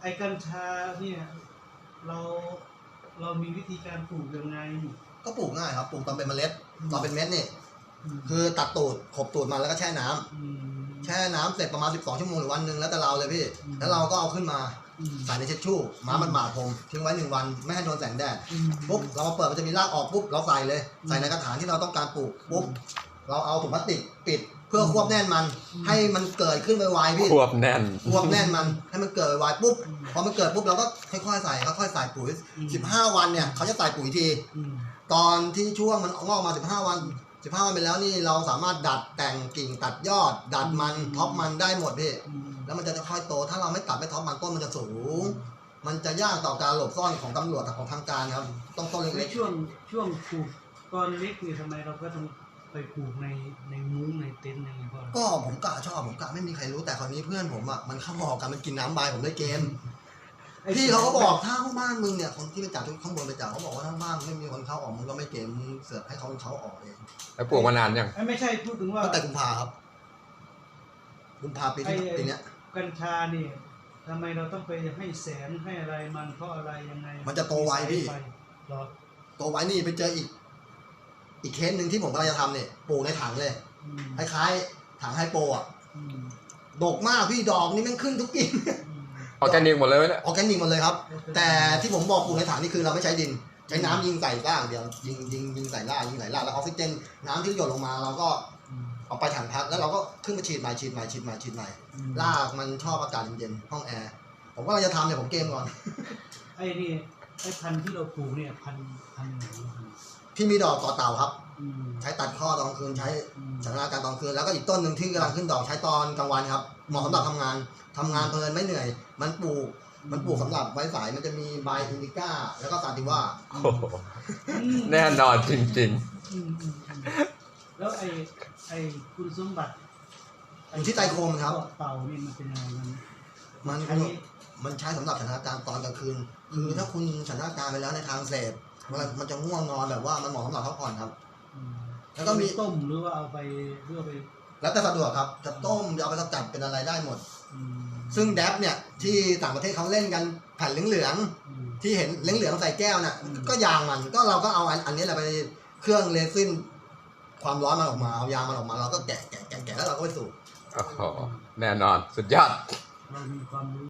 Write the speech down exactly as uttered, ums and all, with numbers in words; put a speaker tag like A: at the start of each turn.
A: ไอ้กัญชาเนี่ยเราเรามีวิธีการปลูกยังไง
B: ก็ปลูกง่ายครับปลูกตอนเป็นเมล็ดตอนเป็นเม็ดนี่
A: อืม
B: คือตัดตูดขบตูดมาแล้วก็แช่น้ำ
A: อืม
B: แช่น้ำเสร็จประมาณสิบสองชั่วโมงหรือวันหนึ่งแล้วแต่เราเลยพี่
A: อืม
B: แล้วเราก็เอาขึ้นมา
A: อืม
B: ใส่ในเช็ดชู่ม้ามันหมาดผมทิ้งไว้หนึ่งวันไม่ให้โดนแสงแดด
A: อืม
B: ปุ๊บเรามาเปิดมันจะมีรากออกปุ๊บเราใส่เลยใส่ในกระถางที่เราต้องการปลูกปุ๊บเราเอาถุงพลาสติกปิดเพื่อควบแน่นมัน ให้มันเกิดขึ้นไวๆพี่
C: ควบแน่น
B: ควบแน่นมันให้มันเกิดไวๆปุ๊บพอมันเกิดปุ๊บเราก็ค่อยๆใส่ค่อยๆใส่ปุ๋ยสิบห้าวันเนี่ยเขาจะใส่ปุ๋ยที
A: อืม
B: ตอนที่ช่วงมันงอกมาสิบห้าวันสิบห้าวันไปแล้วนี่เราสามารถดัดแต่งกิ่งตัดยอด ดัดมันท็อปมันได้หมดพี่
A: อืม
B: แล้วมันจะค่อยโตถ้าเราไม่ตัดไม่ท็อปมันต้นมันจะสูง มันจะยากต่อการหลบซ่อนของตำรวจของทางการครับต้องต้น
A: ใน
B: เล็ก
A: ช่วงช่วงปลูกตอนเล็กนี่ทำไมเราก็ต้องไปปลูกในในมุ้งในเต็นท์อะไรเพราะ
B: ๆก็ผมกะชอบผมกะไม่มีใครรู้แต่คราวนี้เพื่อนผมอ่ะมันเข้าหอกันมันกินน้ำใบผมได้เกมพี่เขาก็บอกถ้าบ้านมึงเนี่ยคนที่ไปจับข้างบนไปจับเขาบอกว่าถ้าบ้านไม่มีคนเข้าออกมึงก็ไม่เกมมึงเสือกให้เขาเขาออกเอง
C: แล้วปลูกมานานยัง
A: ไอ้ไม่ใช่พูดถึงว่า
B: ตั้งแต่กุมภาครับกุมภาปีที่ปีเนี้ย
A: กัญชาเนี่ยทำไมเราต้องไปให้แสงให้อะไรมันเพราะอะไรยังไง
B: มันจะโตไวพี่
A: ไปหรอ
B: ตัวไว้นี่ไปเจออีก อีกเคสหนึ่งที่ผมกำลังจะทำเนี่ยปลูกในถังเลย
A: อืม
B: คล้ายๆถังไฮโปอ่ะ
A: อืม
B: ดกมากพี่ดอกนี่แม่งขึ้นทุกกิ่ง
A: อืม
C: ออร์แกนิกหมดเลยไหมเนี่ย
B: ออร์แกนิกหมดเลยครับ แต่ที่ผมบอกปลูกในถังนี่คือเราไม่ใช้ดิน ใช้น้ำยิงใส่ร่างเดียวยิงยิงยิงใส่ร่างยิงใส่ร่างแล้วออกซิเจนน้ำที่หยดลงมาเราก็
A: อืม
B: เอาไปถังพักแล้วเราก็ขึ้นมาฉีดใหม่ฉีดใหม่ฉีดใหม่ฉีดใหม่
A: อืม
B: รากมันชอบอากาศเย็นๆห้องแอร์ผมก็เราจะทำเนี่ยผมเกมก่อน
A: ไอ้นี่ไอ้พันธุ์ที่เราปลูกเนี่ยพันธุ์พันธุ์ไหน
B: พี่มีดอกต่อเต่าครับ
A: อืม
B: ใช้ตัดข้อตอนกลางคืนใช้
A: อืม
B: สถานการณ์ตอนกลางคืนแล้วก็อีกต้นหนึ่งที่กำลังขึ้นดอกใช้ตอนกลางวันครับเหมาะสำหรับทำงานทำงานเพลินไม่เหนื่อย มันปลูกมันปลูกสำหรับไว้สายมันจะมีใบอินดิก้าแล้วก็ซาติว่า
C: โอ้โหแน่นอนจริง
A: อืมอืมอืมแล้วไอ้ไอ้คุณสมบัติ
B: อยู่ที่ไตรโคมครับ
A: เต่านี่มันเป็นยังไงมัน
B: มัน
A: ใช้
B: มันใช้สำหรับสถานการณ์ตอนกลางคืนคือถ้าคุณสถานการณ์ไปแล้วในทางเสพเวลามันจะง่วงนอนแบบว่ามันเหมาะสำหรับพักผ่อนครับ
A: อืม
B: แล้วก็มี
A: ต้มหรือว่าเอาไปเพื่อไป
B: แล้วแต่สะดวกครับจะต้มจะเอาไปสกัดเป็นอะไรได้หมด
A: อืม
B: ซึ่งแดบเนี่ยที่ต่างประเทศเขาเล่นกันแผ่นเหลือง
A: อืม
B: ๆที่เห็นเหลืองๆใส่แก้วน่ะ
A: อืม
B: ก็ยางมันก็เราก็เอาอันอันนี้แหละไปเครื่องเลซินความร้อนมันออกมาเอายางมันออกมาเราก็แกะแกะแกะแกะแล้วเราก็ไปสูบ
C: ๆ โอ้โห แน่นอน สุดยอด
A: เรามีความรู้